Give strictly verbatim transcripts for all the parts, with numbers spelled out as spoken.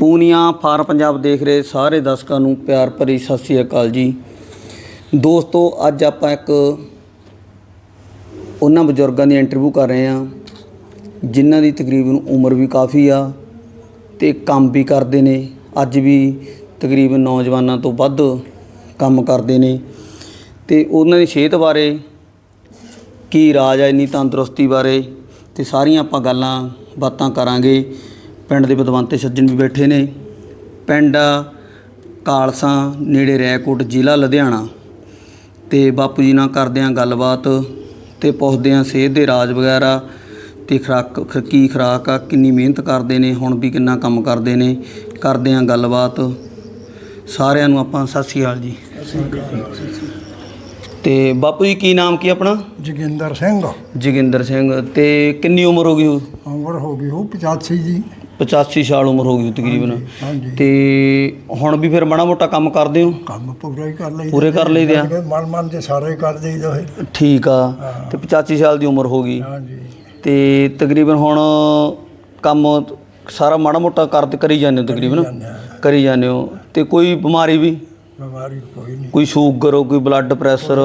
Punia farm Punjab ਦੇਖ ਰਹੇ ਸਾਰੇ ਦਰਸ਼ਕਾਂ ਨੂੰ ਪਿਆਰ ਭਰੀ ਸਤਿ ਸ਼੍ਰੀ ਅਕਾਲ ਜੀ। ਦੋਸਤੋ ਅੱਜ ਆਪਾਂ ਇੱਕ ਉਹਨਾਂ ਬਜ਼ੁਰਗਾਂ ਦੀ ਇੰਟਰਵਿਊ ਕਰ ਰਹੇ ਹਾਂ ਜਿਨ੍ਹਾਂ ਦੀ ਤਕਰੀਬਨ ਉਮਰ ਵੀ ਕਾफ़ी ਆ ਤੇ ਕੰਮ ਵੀ ਕਰਦੇ ਨੇ। ਅੱਜ ਵੀ ਤਕਰੀਬਨ ਨੌਜਵਾਨਾਂ ਤੋਂ ਵੱਧ ਕੰਮ ਕਰਦੇ ਨੇ ਤੇ ਉਹਨਾਂ ਦੀ ਸਿਹਤ ਬਾਰੇ ਕੀ ਰਾਜ ਹੈ ਇੰਨੀ ਤੰਦਰੁਸਤੀ ਬਾਰੇ ਤੇ ਸਾਰੀਆਂ ਆਪਾਂ ਗੱਲਾਂ ਬਾਤਾਂ ਕਰਾਂਗੇ। ਪਿੰਡ ਦੇ ਵਿਦਵਾਨ ਸੱਜਣ ਵੀ ਬੈਠੇ ਨੇ। ਪਿੰਡ ਕਾਲਸਾ ਨੇੜੇ ਰੈਕੋਟ ਜ਼ਿਲ੍ਹਾ ਲੁਧਿਆਣਾ ਤੇ ਬਾਪੂ ਜੀ ਨਾਲ ਕਰਦੇ ਹਾਂ ਗੱਲਬਾਤ ਤੇ ਪੁੱਛਦੇ ਹਾਂ ਸਿਹਤ ਦੇ ਰਾਜ ਵਗੈਰਾ ਤੇ ਖੁਰਾਕ ਕੀ ਖੁਰਾਕ ਆ, ਕਿੰਨੀ ਮਿਹਨਤ ਕਰਦੇ ਨੇ, ਹੁਣ ਵੀ ਕਿੰਨਾ ਕੰਮ ਕਰਦੇ ਨੇ। ਕਰਦੇ ਹਾਂ ਗੱਲਬਾਤ ਸਾਰਿਆਂ ਨੂੰ। ਆਪਾਂ ਸਤਿ ਸ਼੍ਰੀ ਅਕਾਲ ਜੀ। ਤੇ ਬਾਪੂ ਜੀ ਕੀ ਨਾਮ ਕੀ ਆਪਣਾ? ਜੋਗਿੰਦਰ ਸਿੰਘ। ਜੋਗਿੰਦਰ ਸਿੰਘ। ਤੇ ਕਿੰਨੀ ਉਮਰ ਹੋ ਗਈ? ਉਮਰ ਹੋ ਗਈ ਉਹ ਪਚਾਸੀ ਜੀ। ਪਚਾਸੀ ਸਾਲ ਉਮਰ ਹੋ ਗਈ ਤਕਰੀਬਨ। ਹਾਂਜੀ। ਤੇ ਹੁਣ ਵੀ ਫਿਰ ਮਾੜਾ ਮੋਟਾ ਕੰਮ ਕਰਦੇ ਹੋ? ਕੰਮ ਪੂਰਾ ਹੀ ਕਰ ਲਈ ਪੂਰੇ ਕਰ ਲਈਦੇ ਆ। ਮਨ ਮਨ ਦੇ ਸਾਰੇ ਕਰ ਦੇਈਦਾ। ਠੀਕ ਆ। ਤੇ ਪਚਾਸੀ ਸਾਲ ਦੀ ਉਮਰ ਹੋ ਗਈ। ਹਾਂਜੀ। ਤੇ ਤਕਰੀਬਨ ਹੁਣ ਕੰਮ ਸਾਰਾ ਮਾੜਾ ਮੋਟਾ ਕਰ ਕਰੀ ਜਾਂਦੇ ਹੋ? ਤਕਰੀਬਨ ਕਰੀ ਜਾਂਦੇ ਹੋ। ਤੇ ਕੋਈ ਬਿਮਾਰੀ ਵੀ? ਬਿਮਾਰੀ ਕੋਈ ਨਹੀਂ। ਕੋਈ ਸ਼ੂਗਰ, ਕੋਈ ਬਲੱਡ ਪ੍ਰੈਸ਼ਰ?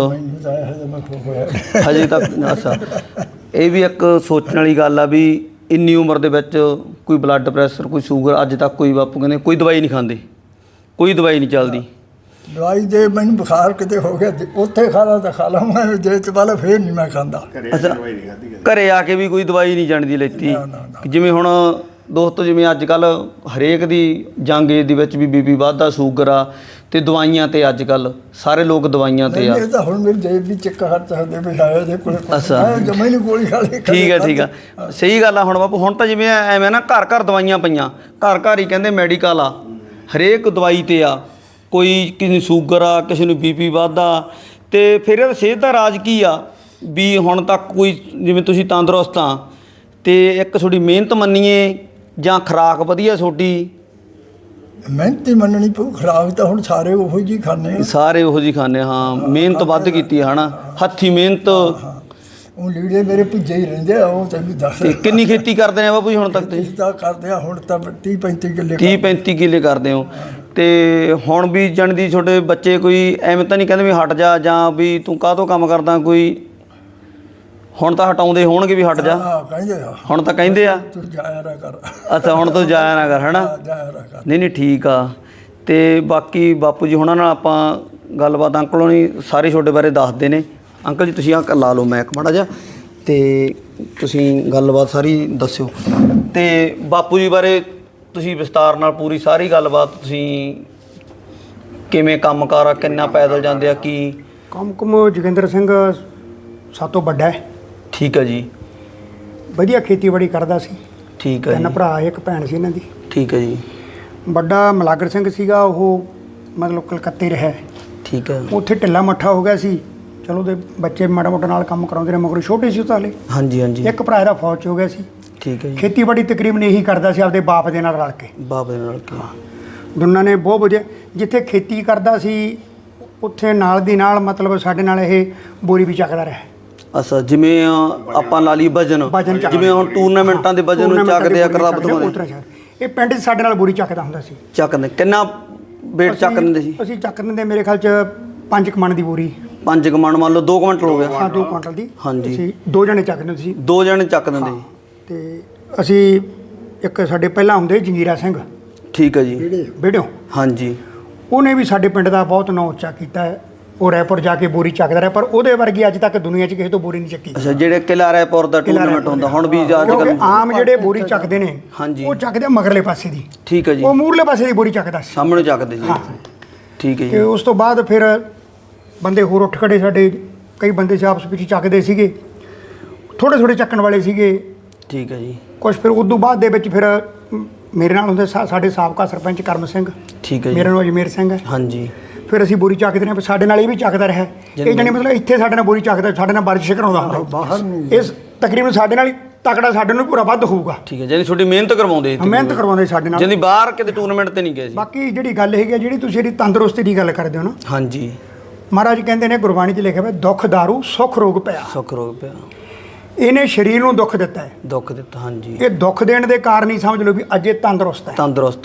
ਹਜੇ ਤੱਕ? ਅੱਛਾ, ਇਹ ਵੀ ਇੱਕ ਸੋਚਣ ਵਾਲੀ ਗੱਲ ਆ ਵੀ ਇੰਨੀ ਉਮਰ ਦੇ ਵਿੱਚ ਕੋਈ ਬਲੱਡ ਪ੍ਰੈਸ਼ਰ, ਕੋਈ ਸ਼ੂਗਰ ਅੱਜ ਤੱਕ ਕੋਈ ਬਾਪੂ ਕਹਿੰਦੇ ਕੋਈ ਦਵਾਈ ਨਹੀਂ ਖਾਂਦੇ, ਕੋਈ ਦਵਾਈ ਨਹੀਂ ਚੱਲਦੀ। ਦਵਾਈ ਜੇ ਮੈਨੂੰ ਬੁਖਾਰ ਕਿਤੇ ਹੋ ਗਿਆ ਉੱਥੇ ਖਾ ਲਾ ਤਾਂ ਖਾ ਲਵਾਂ, ਜੇ ਚ ਵਾਲਾ ਫੇਰ ਨਹੀਂ ਮੈਂ ਖਾਂਦਾ। ਅੱਛਾ, ਘਰੇ ਆ ਕੇ ਵੀ ਕੋਈ ਦਵਾਈ ਨਹੀਂ ਜਾਣ ਦੀ ਲੈਤੀ? ਜਿਵੇਂ ਹੁਣ ਦੋਸਤੋ ਜਿਵੇਂ ਅੱਜ ਕੱਲ੍ਹ ਹਰੇਕ ਦੀ ਜੰਗ ਏਜ ਦੇ ਵਿੱਚ ਵੀ ਬੀ ਪੀ ਵੱਧਦਾ, ਸ਼ੂਗਰ ਆ ਤੇ ਦਵਾਈਆਂ ਤੇ ਅੱਜ ਕੱਲ੍ਹ ਸਾਰੇ ਲੋਕ ਦਵਾਈਆਂ ਤੇ ਆ। ਇਹ ਤਾਂ ਹੁਣ ਮੇਰੀ ਜੇਬ ਵੀ ਚੱਕਾ ਹੱਥ ਹੱਦੇ ਬਿਠਾਇਆ ਜੇ ਕੋਲ। ਅੱਛਾ, ਜਮਾ ਹੀ ਨਹੀਂ ਗੋਲੀ ਖਾ ਲਈ। ਠੀਕ ਹੈ ਠੀਕ ਆ, ਸਹੀ ਗੱਲ ਆ। ਹੁਣ ਬਾਪੂ ਹੁਣ ਤਾਂ ਜਿਵੇਂ ਐਵੇਂ ਨਾ ਘਰ ਘਰ ਦਵਾਈਆਂ ਪਈਆਂ, ਘਰ ਘਰ ਹੀ ਕਹਿੰਦੇ ਮੈਡੀਕਲ ਆ, ਹਰੇਕ ਦਵਾਈ ਤੇ ਆ। ਕੋਈ ਕਿਸੇ ਨੂੰ ਸ਼ੂਗਰ ਆ, ਕਿਸੇ ਨੂੰ ਬੀ ਪੀ ਵੱਧਦਾ। ਤੇ ਫਿਰ ਇਹਦਾ ਸਿਹਤ ਦਾ ਰਾਜ ਕੀ ਆ ਵੀ ਹੁਣ ਤੱਕ ਕੋਈ ਜਿਵੇਂ ਤੁਸੀਂ ਤੰਦਰੁਸਤ ਆ ਤੇ ਇੱਕ ਤੁਹਾਡੀ ਮਿਹਨਤ ਮੰਨੀਏ ਜਾਂ ਖੁਰਾਕ ਵਧੀਆ ਤੁਹਾਡੀ? ਮਿਹਨਤ ਹੀ ਮੰਨਣੀ ਪਊ। ਖੁਰਾਕ ਤਾਂ ਹੁਣ ਸਾਰੇ ਉਹੋ ਜਿਹੀ ਖਾਂਦੇ, ਸਾਰੇ ਉਹੋ ਜਿਹੀ ਖਾਂਦੇ। ਹਾਂ, ਮਿਹਨਤ ਵੱਧ ਕੀਤੀ ਹੈ ਨਾ, ਹੱਥੀਂ ਮਿਹਨਤ। ਉਹ ਲੀੜੇ ਮੇਰੇ ਭੁੱਜੇ ਹੀ ਰਹਿੰਦੇ ਆ। ਉਹ ਤੈਨੂੰ ਦੱਸ। ਤੇ ਕਿੰਨੀ ਖੇਤੀ ਕਰਦੇ ਨੇ ਬਾਪੂ ਜੀ ਹੁਣ ਤੱਕ? ਤੁਸੀਂ ਤਾਂ ਕਰਦੇ ਆ ਹੁਣ ਤਾਂ ਤੀਹ ਪੈਂਤੀ ਕਿੱਲੇ। ਤੀਹ ਪੈਂਤੀ ਕਿੱਲੇ ਕਰਦੇ ਹੋ। ਤੇ ਹੁਣ ਵੀ ਜਾਣ ਦੀ ਤੁਹਾਡੇ ਬੱਚੇ ਕੋਈ ਐਵੇਂ ਤਾਂ ਨਹੀਂ ਕਹਿੰਦੇ ਵੀ ਹਟ ਜਾ ਜਾਂ ਵੀ ਤੂੰ ਕਾਹਤੋਂ ਕੰਮ ਕਰਦਾ? ਕੋਈ ਹੁਣ ਤਾਂ ਹਟਾਉਂਦੇ ਹੋਣਗੇ ਵੀ ਹਟ ਜਾ? ਕਹਿੰਦੇ ਆ ਹੁਣ ਤਾਂ ਕਹਿੰਦੇ ਆ ਤੂੰ ਜਾਇਆ ਨਾ ਕਰ। ਅੱਛਾ, ਹੁਣ ਤੋਂ ਜਾਇਆ ਨਾ ਕਰ, ਹੈ ਨਾ? ਜਾਇਆ ਨਾ ਕਰ। ਨਹੀਂ ਨਹੀਂ ਠੀਕ ਆ। ਤੇ ਬਾਕੀ ਬਾਪੂ ਜੀ ਹੁਣਾਂ ਨਾਲ ਆਪਾਂ ਗੱਲਬਾਤ ਅੰਕਲ ਹੋਣੀ ਸਾਰੇ ਤੁਹਾਡੇ ਬਾਰੇ ਦੱਸਦੇ ਨੇ। ਅੰਕਲ ਜੀ ਤੁਸੀਂ ਆ ਲਾ ਲਓ ਮੈਕ ਮਾੜਾ ਜਿਹਾ ਤੇ ਤੁਸੀਂ ਗੱਲਬਾਤ ਸਾਰੀ ਦੱਸਿਓ। ਤੇ ਬਾਪੂ ਜੀ ਬਾਰੇ ਤੁਸੀਂ ਵਿਸਤਾਰ ਨਾਲ ਪੂਰੀ ਸਾਰੀ ਗੱਲਬਾਤ, ਤੁਸੀਂ ਕਿਵੇਂ ਕੰਮ ਕਾਰ ਆ, ਕਿੰਨਾ ਪੈਦਲ ਜਾਂਦੇ ਆ, ਕੀ ਕੰਮ ਕੁਮ? ਜੋਗਿੰਦਰ ਸਿੰਘ ਸਭ ਤੋਂ ਵੱਡਾ ਹੈ। ਠੀਕ ਹੈ ਜੀ। ਵਧੀਆ ਖੇਤੀਬਾੜੀ ਕਰਦਾ ਸੀ। ਠੀਕ ਹੈ ਤਿੰਨ ਜੀ। ਭਰਾ ਇੱਕ ਭੈਣ ਸੀ ਇਹਨਾਂ ਦੀ। ਠੀਕ ਹੈ ਜੀ। ਵੱਡਾ ਮਲਾਗਰ ਸਿੰਘ ਸੀਗਾ, ਉਹ ਮਤਲਬ ਕਲਕੱਤੇ ਰਿਹਾ। ਠੀਕ ਹੈ। ਉੱਥੇ ਢਿੱਲਾ ਮੱਠਾ ਹੋ ਗਿਆ ਸੀ। ਚਲੋ ਉਹਦੇ ਬੱਚੇ ਮਾੜਾ ਮੋਟਾ ਨਾਲ ਕੰਮ ਕਰਾਉਂਦੇ ਨੇ, ਮਗਰ ਛੋਟੇ ਸੀ ਉਹ ਤਾਂ ਹਲੇ। ਹਾਂਜੀ ਹਾਂਜੀ। ਇੱਕ ਭਰਾ ਇਹਦਾ ਫੌਜ 'ਚ ਹੋ ਗਿਆ ਸੀ। ਠੀਕ ਹੈ ਜੀ। ਖੇਤੀਬਾੜੀ ਤਕਰੀਬਨ ਇਹੀ ਕਰਦਾ ਸੀ ਆਪਦੇ ਬਾਪ ਦੇ ਨਾਲ ਰਲ ਕੇ। ਬਾਪ ਦੇ ਨਾਲ ਕੀ? ਦੋਨਾਂ ਨੇ ਬਹੁਤ ਵਧੀਆ। ਜਿੱਥੇ ਖੇਤੀ ਕਰਦਾ ਸੀ ਉੱਥੇ ਨਾਲ ਦੀ ਨਾਲ ਮਤਲਬ ਸਾਡੇ ਨਾਲ ਇਹ ਬੋਰੀ ਵੀ ਚੱਕਦਾ ਰਿਹਾ। ਅੱਛਾ, ਜਿਵੇਂ ਆਪਾਂ ਲਾ ਲਈ ਵਜਨ, ਜਿਵੇਂ ਹੁਣ ਟੂਰਨਾਮੈਂਟਾਂ ਦੇ ਵਜਨ ਨੂੰ ਚੱਕਦੇ ਆ ਕਲੱਬ ਤੋਂ? ਇਹ ਪਿੰਡ 'ਚ ਸਾਡੇ ਨਾਲ ਬੋਰੀ ਚੱਕਦਾ ਹੁੰਦਾ ਸੀ। ਚੱਕਦੇ ਕਿੰਨਾ ਵੇਟ ਚੱਕ ਦਿੰਦੇ ਸੀ? ਅਸੀਂ ਚੱਕ ਦਿੰਦੇ ਮੇਰੇ ਖਿਆਲ 'ਚ ਪੰਜ ਕੁ ਮਣ ਦੀ ਬੋਰੀ। ਪੰਜ ਕੁ ਮਣ ਮੰਨ ਲਓ ਦੋ ਕੁਇੰਟਲ ਹੋ ਗਿਆ। ਹਾਂ, ਦੋ ਕੁਇੰਟਲ ਦੀ। ਹਾਂਜੀ। ਅਸੀਂ ਦੋ ਜਣੇ ਚੱਕ ਦਿੰਦੇ ਸੀ। ਦੋ ਜਣੇ ਚੱਕ ਦਿੰਦੇ ਸੀ। ਤੇ ਅਸੀਂ ਇੱਕ ਸਾਡੇ ਪਹਿਲਾਂ ਹੁੰਦੇ ਜੰਗੀਰਾ ਸਿੰਘ। ਠੀਕ ਹੈ ਜੀ। ਬੇੜਿਓ। ਹਾਂਜੀ। ਉਹਨੇ ਵੀ ਸਾਡੇ ਪਿੰਡ ਦਾ ਬਹੁਤ ਨਾਂ ਉੱਚਾ ਕੀਤਾ ਹੈ। ਉਹ ਰਾਏਪੁਰ ਜਾ ਕੇ ਬੋਰੀ ਚੱਕਦਾ ਰਿਹਾ, ਪਰ ਉਹਦੇ ਵਰਗੀ ਅੱਜ ਤੱਕ ਦੁਨੀਆ 'ਚ ਕਿਸੇ ਤੋਂ ਬੋਰੀ ਨਹੀਂ ਚੱਕੀ। ਅੱਛਾ, ਜਿਹੜੇ ਕਿਲ੍ਹਾ ਰਾਏਪੁਰ ਦਾ ਟੂਰਨਾਮੈਂਟ ਹੁੰਦਾ ਹੁਣ ਵੀ ਅੱਜ ਕੱਲ੍ਹ ਆਮ ਜਿਹੜੇ ਬੋਰੀ ਚੱਕਦੇ ਨੇ, ਹਾਂਜੀ, ਉਹ ਚੱਕਦੇ ਮਗਰਲੇ ਪਾਸੇ ਦੀ। ਠੀਕ ਹੈ ਜੀ। ਉਹ ਮੂਰਲੇ ਪਾਸੇ ਦੀ ਬੋਰੀ ਚੱਕਦਾ ਸੀ, ਸਾਹਮਣੇ ਚੱਕਦੇ ਸੀ। ਠੀਕ ਹੈ ਜੀ। ਤੇ ਉਸ ਤੋਂ ਬਾਅਦ ਫਿਰ ਬੰਦੇ ਹੋਰ ਉੱਠ ਖੜੇ। ਸਾਡੇ ਕਈ ਬੰਦੇ ਸੀ ਆਪਸ ਵਿੱਚ ਚੱਕਦੇ ਸੀਗੇ, ਥੋੜ੍ਹੇ ਥੋੜ੍ਹੇ ਚੱਕਣ ਵਾਲੇ ਸੀਗੇ। ਠੀਕ ਹੈ ਜੀ। ਕੁਛ ਫਿਰ ਉਦੋਂ ਬਾਅਦ ਦੇ ਵਿੱਚ ਫਿਰ ਮੇਰੇ ਨਾਲ ਹੁੰਦੇ ਸਾਡੇ ਸਾਬਕਾ ਸਰਪੰਚ ਕਰਮ ਸਿੰਘ। ਠੀਕ ਹੈ ਜੀ। ਮੇਰਾ ਨਾਮ ਅਜਮੇਰ ਸਿੰਘ ਹੈ। ਹਾਂਜੀ। ਫਿਰ ਅਸੀਂ ਬੋਰੀ ਚੱਕਦੇ ਰਹੇ, ਸਾਡੇ ਨਾਲ ਇਹ ਵੀ ਚੱਕਦਾ ਰਿਹਾ। ਇਹ ਜਾਣੀ ਮਤਲਬ ਇੱਥੇ ਸਾਡੇ ਨਾਲ ਬੋਰੀ ਚੱਕਦਾ, ਸਾਡੇ ਨਾਲ ਵਰਜਿਸ਼ ਕਰਾਉਂਦਾ ਹੁੰਦਾ ਬਾਹਰ ਨਹੀਂ। ਇਸ ਤਕਰੀਬਨ ਸਾਡੇ ਨਾਲ ਹੀ ਤਕੜਾ ਸਾਡੇ ਨੂੰ ਪੂਰਾ ਵੱਧ ਹੋਊਗਾ। ਠੀਕ ਹੈ, ਜਾਨੀ ਤੁਹਾਡੀ ਮਿਹਨਤ ਕਰਵਾਉਂਦੇ? ਮਿਹਨਤ ਕਰਵਾਉਂਦੇ ਸਾਡੇ ਨਾਲ। ਜਾਨੀ ਬਾਹਰ ਕਿਤੇ ਟੂਰਨਾਮੈਂਟ ਤੇ ਨਹੀਂ ਗਏ ਸੀ? ਬਾਕੀ ਜਿਹੜੀ ਗੱਲ ਹੈਗੀ ਜਿਹੜੀ ਤੁਸੀਂ ਇਹਦੀ ਤੰਦਰੁਸਤੀ ਦੀ ਗੱਲ ਕਰਦੇ ਹੋ ਨਾ। ਹਾਂਜੀ। ਮਹਾਰਾਜ ਕਹਿੰਦੇ ਨੇ ਗੁਰਬਾਣੀ 'ਚ ਲਿਖਿਆ ਹੋਇਆ, ਦੁੱਖ ਦਾਰੂ ਸੁੱਖ ਰੋਗ ਪਿਆ। ਸੁੱਖ ਰੋਗ ਪਿਆ। ਇਹਨੇ ਸਰੀਰ ਨੂੰ ਦੁੱਖ ਦਿੱਤਾ ਹੈ। ਦੁੱਖ ਦਿੱਤਾ, ਹਾਂਜੀ। ਇਹ ਦੁੱਖ ਦੇਣ ਦੇ ਕਾਰਨ ਹੀ ਸਮਝ ਲਓ ਵੀ ਅੱਜ ਇਹ ਤੰਦਰੁਸਤ ਹੈ। ਤੰਦਰੁਸਤ ਆ।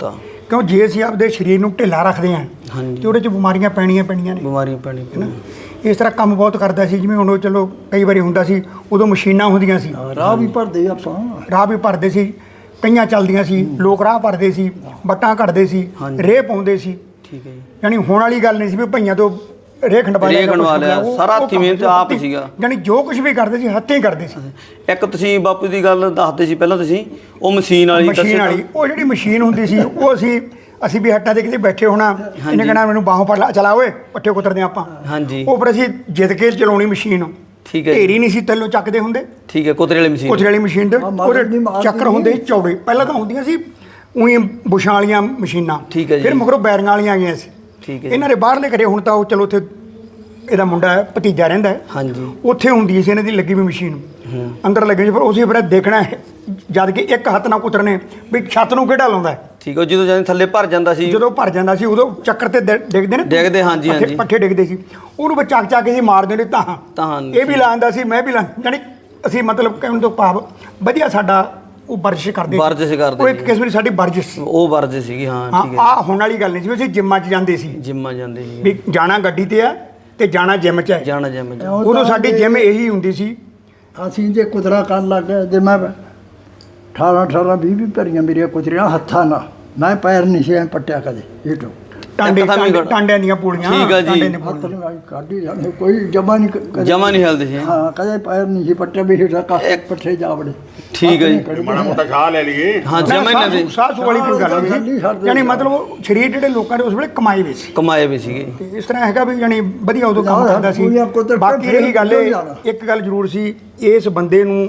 ਕਿਉਂ ਜੇ ਅਸੀਂ ਆਪਦੇ ਸਰੀਰ ਨੂੰ ਢਿੱਲਾ ਰੱਖਦੇ ਹਾਂ ਹਾਂਜੀ ਤੇ ਉਹਦੇ 'ਚ ਬਿਮਾਰੀਆਂ ਪੈਣੀਆਂ ਪੈਣੀਆਂ ਨੇ। ਬਿਮਾਰੀਆਂ ਪੈਣੀ ਹੈ ਨਾ। ਇਸ ਤਰ੍ਹਾਂ ਕੰਮ ਬਹੁਤ ਕਰਦਾ ਸੀ, ਜਿਵੇਂ ਹੁਣ ਉਹ ਚਲੋ ਕਈ ਵਾਰੀ ਹੁੰਦਾ ਸੀ ਉਦੋਂ ਮਸ਼ੀਨਾਂ ਹੁੰਦੀਆਂ ਸੀ, ਰਾਹ ਵੀ ਭਰਦੇ ਆਪਾਂ ਰਾਹ ਵੀ ਭਰਦੇ ਸੀ, ਕਈਆਂ ਚੱਲਦੀਆਂ ਸੀ, ਲੋਕ ਰਾਹ ਭਰਦੇ ਸੀ, ਵੱਟਾਂ ਕੱਢਦੇ ਸੀ, ਰੇਹ ਪਾਉਂਦੇ ਸੀ। ਠੀਕ ਹੈ ਜੀ। ਯਾਨੀ ਹੁਣ ਵਾਲੀ ਗੱਲ ਨਹੀਂ ਸੀ ਵੀ ਭਈਆਂ ਤੋਂ ਰੇਹ ਖੰਡਵਾ ਰੇਹ ਖੰਡਵਾ ਲਿਆ, ਸਾਰਾ ਹੱਥੀਂ ਮਿਹਨਤ ਆਪ ਸੀਗਾ। ਯਾਨੀ ਜੋ ਕੁਝ ਵੀ ਕਰਦੇ ਸੀ ਹੱਥੀਂ ਕਰਦੇ ਸੀ। ਇੱਕ ਤੁਸੀਂ ਬਾਪੂ ਦੀ ਗੱਲ ਦੱਸਦੇ ਸੀ ਪਹਿਲਾਂ, ਤੁਸੀਂ ਉਹ ਮਸ਼ੀਨ ਵਾਲੀ ਮਸ਼ੀਨ ਵਾਲੀ ਉਹ ਜਿਹੜੀ ਮਸ਼ੀਨ ਹੁੰਦੀ ਸੀ ਉਹ ਅਸੀਂ ਅਸੀਂ ਵੀ ਹੱਟਾਂ ਦੇ ਕਿਤੇ ਬੈਠੇ ਹੋਣਾ, ਇਹਨੇ ਕਹਿਣਾ ਮੈਨੂੰ ਬਾਹੋਂ ਫੜ ਲਾ, ਚਲਾ ਓਏ ਪੱਠੇ ਕੁਤਰਦੇ ਆਪਾਂ। ਹਾਂਜੀ। ਉਹ ਫਿਰ ਅਸੀਂ ਜਿੱਦ ਕੇ ਚਲਾਉਣੀ ਮਸ਼ੀਨ। ਠੀਕ ਹੈ। ਢੇਰੀ ਨਹੀਂ ਸੀ ਥੱਲੋਂ ਚੱਕਦੇ ਹੁੰਦੇ। ਠੀਕ ਹੈ। ਕੁਤਰੇ ਵਾਲੀ ਮਸ਼ੀਨ। ਕੁਤਰੇ ਵਾਲੀ ਮਸ਼ੀਨ ਦੇ ਉਹਦੇ ਚੱਕਰ ਹੁੰਦੇ ਸੀ ਚੌੜੇ। ਪਹਿਲਾਂ ਤਾਂ ਹੁੰਦੀਆਂ ਸੀ ਉਹੀ ਬੁਸ਼ਾਂ ਵਾਲੀਆਂ ਮਸ਼ੀਨਾਂ। ਠੀਕ ਹੈ ਜੀ। ਫਿਰ ਮਗਰੋਂ ਬੈਰੀਆਂ ਵਾਲੀਆਂ ਆ ਗਈਆਂ ਸੀ। ਠੀਕ ਹੈ। ਇਹਨਾਂ ਦੇ ਬਾਹਰਲੇ ਘਰੇ ਹੁਣ ਤਾਂ ਉਹ ਚਲੋ ਉੱਥੇ ਇਹਦਾ ਮੁੰਡਾ ਹੈ, ਭਤੀਜਾ ਰਹਿੰਦਾ ਹੈ। ਹਾਂਜੀ। ਉੱਥੇ ਹੁੰਦੀ ਸੀ ਇਹਨਾਂ ਦੀ ਲੱਗੀ ਵੀ ਮਸ਼ੀਨ, ਅੰਦਰ ਲੱਗੀ ਸੀ। ਫਿਰ ਉਸੇ ਫਿਰ ਦੇਖਣਾ ਜਦ ਕਿ ਇੱਕ ਹੱਥ ਨਾਲ ਕੁਤਰਨੇ ਵੀ ਛੱਤ ਨੂੰ ਕਿਹੜਾ ਲਾਉਂਦਾ ਹੈ। ਠੀਕ ਹੈ। ਜਦੋਂ ਜਾਂਦੇ ਥੱਲੇ ਭਰ ਜਾਂਦਾ ਸੀ, ਜਦੋਂ ਭਰ ਜਾਂਦਾ ਸੀ ਉਦੋਂ ਚੱਕਰ ਤੇ ਡਿ- ਡਿੱਗਦੇ ਨੇ ਡਿੱਗਦੇ, ਹਾਂਜੀ, ਪੱਠੇ- ਹਾਂਜੀ। ਪੱਠੇ ਡਿੱਗਦੇ ਸੀ, ਉਹਨੂੰ ਬਚਾ ਚੱਕ ਕੇ ਸੀ ਮਾਰਦੇ ਨੇ ਤਾਂ ਤਾਂ ਇਹ ਵੀ ਲਾਉਂਦਾ ਸੀ, ਮੈਂ ਵੀ ਲਾ ਜਾਣੀ ਅਸੀਂ ਮਤਲਬ ਕਹਿਣ ਤੋਂ ਭਾਵ ਵਧੀਆ ਸਾਡਾ ਉਹ ਵਰਜਿਸ਼ ਕਰਦੇ ਸੀ। ਵਰਜਿਸ਼ ਕਰਦੇ ਉਹ ਇੱਕ ਸੀ। ਕਿਸਮ ਦੀ ਸਾਡੀ ਵਰਜਿਸ਼ ਸੀ। ਉਹ ਵਰਜ ਸੀਗੀ। ਹਾਂ ਹਾਂ ਠੀਕ ਹੈ। ਆਹ ਹੁਣ ਵਾਲੀ ਗੱਲ ਨਹੀਂ ਸੀ ਵੀ ਅਸੀਂ ਜਿੰਮਾਂ 'ਚ ਜਾਂਦੇ ਸੀ ਜਿੰਮਾਂ ਜਾਂਦੇ ਸੀ, ਵੀ ਜਾਣਾ ਗੱਡੀ ਤੇ ਆ ਤੇ ਜਾਣਾ ਜਿੰਮ 'ਚ ਹੈ। ਜਾਣਾ ਜਿੰਮ ਚ। ਉਦੋਂ ਸਾਡੀ ਜਿੰਮ ਇਹੀ ਹੁੰਦੀ ਸੀ। ਅਸੀਂ ਜੇ ਕੁਤਰਾ ਕਰਨ ਲੱਗ ਗਏ, ਜੇ ਮੈਂ ਅਠਾਰਾਂ ਅਠਾਰਾਂ ਵੀਹ ਵੀਹ ਭਰੀਆਂ ਮੇਰੀਆਂ ਕੁਤਰੀਆਂ ਹੱਥਾਂ ਨਾਲ, ਮੈਂ ਪੈਰ ਨਹੀਂ ਸੀ ਐਂ ਪੱਟਿਆ ਕਦੇ ਇਹ ਤੋਂ ਟਾਂਡੇ ਇੱਕ ਤਾਂ ਵੀ ਟਾਂਡੇ- ਟਾਂਡਿਆਂ ਦੀਆਂ ਪੂੜੀਆਂ। ਠੀਕ ਆ ਜੀ। ਟਾਂਡੇ ਦੀਆਂ ਹੱਥ ਪੂੜੀਆਂ। ਨਾਲ ਕਾਢੀ ਜਾਂਦੇ, ਕੋਈ ਜਮਾ ਨਹੀਂ ਕਦੇ- ਜਮਾ ਨਹੀਂ ਹਿਲਦੇ ਸੀ। ਹਾਂ ਕਦੇ ਪੈਰ ਨਹੀਂ ਸੀ ਪੱਟਿਆ ਵੀ ਹੇਠਾਂ ਕੱਖ ਪੱਠੇ ਜਾ ਵੜੇ। ਠੀਕ ਹੈ ਜੀ। ਮਾੜਾ ਮੋਟਾ ਖਾ ਲੈ ਲਈਏ। ਹਾਂ ਨਾ, ਜਮਾ ਹੀ ਸਾਹ ਨਹੀਂ ਸੂ- ਸਾਹ ਸੂ ਵਾਲੀ ਕੋਈ ਗੱਲ ਨਹੀਂ ਖਾਲੀ ਸੀ। ਛੱਡਦੇ ਯਾਨੀ ਸੀ। ਮਤਲਬ ਉਹ ਸਰੀਰ ਜਿਹੜੇ ਲੋਕਾਂ ਦੇ ਉਸ ਵੇਲੇ ਕਮਾਏ ਵੇ ਸੀ ਕਮਾਏ ਵੀ ਸੀਗੇ। ਤੇ ਇਸ ਤਰ੍ਹਾਂ ਹੈਗਾ ਵੀ ਯਾਨੀ ਵਧੀਆ ਉਦੋਂ ਕੰਮ ਨਾ, ਕਰਦਾ ਸੀ। ਪੂਰੀਆਂ ਕੁਤਰ- ਬਾਕੀ ਰਹੀ ਗੱਲ ਫਿਰ ਇਹ, ਜਾਣਾ। ਇੱਕ ਗੱਲ ਜ਼ਰੂਰ ਸੀ, ਇਸ ਬੰਦੇ ਨੂੰ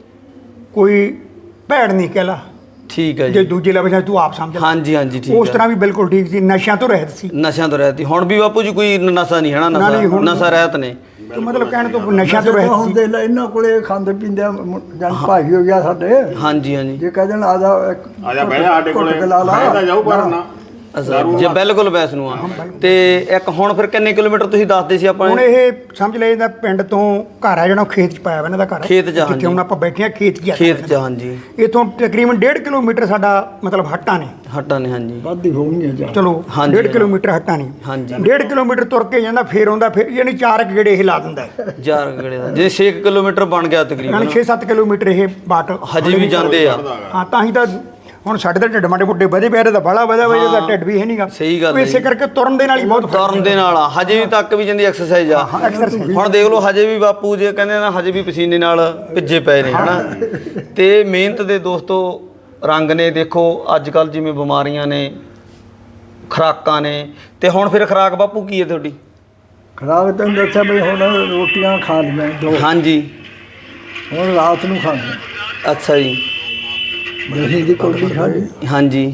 ਕੋਈ ਭੈੜ ਨਹੀਂ ਕਹਿਲਾ ਠੀਕ ਹੈ ਜੇ ਜੀ। ਦੂਜੇ ਲਫ਼ਜ਼ਾਂ 'ਚ ਤੂੰ ਆਪ ਸਮਝ ਲੈ। ਹਾਂਜੀ ਹਾਂਜੀ ਠੀਕ ਉਸ ਹੈ। ਤਰ੍ਹਾਂ ਵੀ ਬਿਲਕੁਲ ਠੀਕ ਸੀ, ਨਸ਼ਿਆਂ ਤੋਂ ਰਹਿਤ ਸੀ। ਨਸ਼ਿਆਂ ਤੋਂ ਰਹਿਤ ਸੀ। ਹੁਣ ਵੀ ਬਾਪੂ ਜੀ ਕੋਈ ਨਸ਼ਾ ਨਹੀਂ ਹੈ ਨਾ, ਨਾ, ਨਹੀਂ, ਨਸ਼ਾ ਹੁਣ- ਨਸ਼ਾ ਰਹਿਤ ਨੇ। ਤੇ ਮਤਲਬ ਕਹਿਣ ਤੋਂ ਨਸ਼ਿਆਂ ਤੋਂ ਰਹਿਤ ਹੁਣ ਸੀ। ਦੇ ਲੈ ਇਹਨਾਂ ਕੋਲੇ ਖਾਂਦੇ ਪੀਂਦੇ ਜਨ ਭਾਈ ਹੋ ਗਿਆ ਸਾਡੇ। ਹਾਂਜੀ ਹਾਂਜੀ। ਜੇ ਕਹਿ ਦੇਣ ਆ ਜਾ ਇੱਕ ਆ ਜਾ ਬਹਿ ਜਾ ਸਾਡੇ ਕੋਲੇ, ਘੁੱਟ ਕੇ ਲਾ ਲਾ। ਮੈਂ ਤਾਂ ਜਾਊ ਪਰ ਨਾ ਅੱਛਾ ਜੇ ਬਿਲਕੁਲ ਵੈਸ ਨੂੰ ਆ। ਤੇ ਇੱਕ ਹੁਣ ਫਿਰ ਕਿੰਨੇ ਕਿਲੋਮੀਟਰ ਤੁਸੀਂ ਦੱਸਦੇ ਸੀ ਆਪਾਂ ਹੁਣ ਇਹ ਸਮਝ ਲੈ ਇਹਦਾ ਪਿੰਡ ਤੋਂ ਘਰ ਆ ਜਿਹੜਾ ਉਹ ਖੇਤ 'ਚ ਪਾਇਆ ਵਾ ਇਹਨਾਂ ਦਾ ਘਰ। ਖੇਤ 'ਚ, ਹਾਂਜੀ। ਜਿੱਥੇ ਹੁਣ ਆਪਾਂ ਬੈਠੇ ਆ ਖੇਤ 'ਚ ਹੀ ਆ। ਖੇਤ ਚ। ਹਾਂਜੀ। ਇੱਥੋਂ ਤਕਰੀਬਨ ਡੇਢ ਕਿਲੋਮੀਟਰ ਸਾਡਾ ਮਤਲਬ ਹੱਟਾਂ ਨੇ। ਹਟਾ ਨੇ। ਹਾਂਜੀ। ਵੱਧ ਹੀ ਹੋਣਗੀਆਂ ਜਾ ਚਲੋ ਹਾਂਜੀ, ਡੇਢ ਹਾਂ। ਕਿਲੋਮੀਟਰ ਹੱਟਾਂ ਨੇ। ਹਾਂਜੀ। ਡੇਢ ਕਿਲੋਮੀਟਰ ਤੁਰ ਕੇ ਜਾਂਦਾ, ਫੇਰ ਆਉਂਦਾ, ਫਿਰ ਯਾਨੀ ਚਾਰ ਕੁ ਗੇੜੇ ਇਹ ਲਾ ਦਿੰਦਾ ਹੈ। ਚਾਰ ਗੇੜੇ ਦਾ ਜੇ ਛੇ ਕਿਲੋਮੀਟਰ ਬਣ ਗਿਆ ਯਾਨੀ ਤਕਰੀਬਨ। ਛੇ ਸੱਤ ਕਿਲੋਮੀਟਰ ਇਹ ਬਾਟ ਹਜੇ ਵੀ ਜਾਂਦੇ ਆ। ਹਾਂ ਤਾਂ ਹੀ ਤਾਂ ਹੁਣ ਸਾਡੇ ਤਾਂ ਢਿੱਡ ਮਾਡੇ ਮੁੱਡੇ ਵਧੇ ਪਏ, ਤਾਂ ਬੜਾ ਵਧਿਆ ਹੋਇਆ, ਇਹਦਾ ਢਿੱਡ ਵੀ ਹੈ ਨਹੀਂਗਾ। ਸਹੀ ਗੱਲ ਉਹ ਹੈ ਇਸੇ ਜੀ। ਕਰਕੇ ਤੁਰਨ ਦੇ ਨਾਲ ਹੀ ਬਹੁਤ ਫਰਕ ਤੁਰਨ ਦੇ ਨਾਲ ਆ, ਹਜੇ ਵੀ ਤੱਕ ਵੀ ਜਾਂਦੀ ਐਕਸਰਸਾਈਜ਼ ਆ। exercise। ਹੁਣ ਦੇਖ ਲਓ ਹਜੇ ਵੀ ਬਾਪੂ ਜੇ ਕਹਿੰਦੇ ਨਾ ਹਜੇ ਵੀ ਪਸੀਨੇ ਨਾਲ ਭਿੱਜੇ ਪਏ ਨੇ ਹਨਾ। ਤੇ ਮਿਹਨਤ ਦੇ ਦੋਸਤੋ ਰੰਗ ਨੇ। ਦੇਖੋ ਅੱਜ ਕੱਲ ਜਿਵੇਂ ਬਿਮਾਰੀਆਂ ਨੇ, ਖੁਰਾਕਾਂ ਨੇ, ਤੇ ਹੁਣ ਫਿਰ ਖੁਰਾਕ ਬਾਪੂ ਕੀ ਹੈ ਤੁਹਾਡੀ? ਖਰਾਬ ਤੈਨੂੰ ਦੱਸਿਆ ਵੀ ਹੁਣ ਰੋਟੀਆਂ ਖਾ ਲਈਆਂ ਦੋ, ਹਾਂਜੀ। ਹੁਣ ਰਾਤ ਨੂੰ ਖਾਣੀਆਂ। ਅੱਛਾ ਜੀ। ਦਹੀਂ ਦੀ ਕੋਲੀ ਖਾ ਲਈ, ਹਾਂਜੀ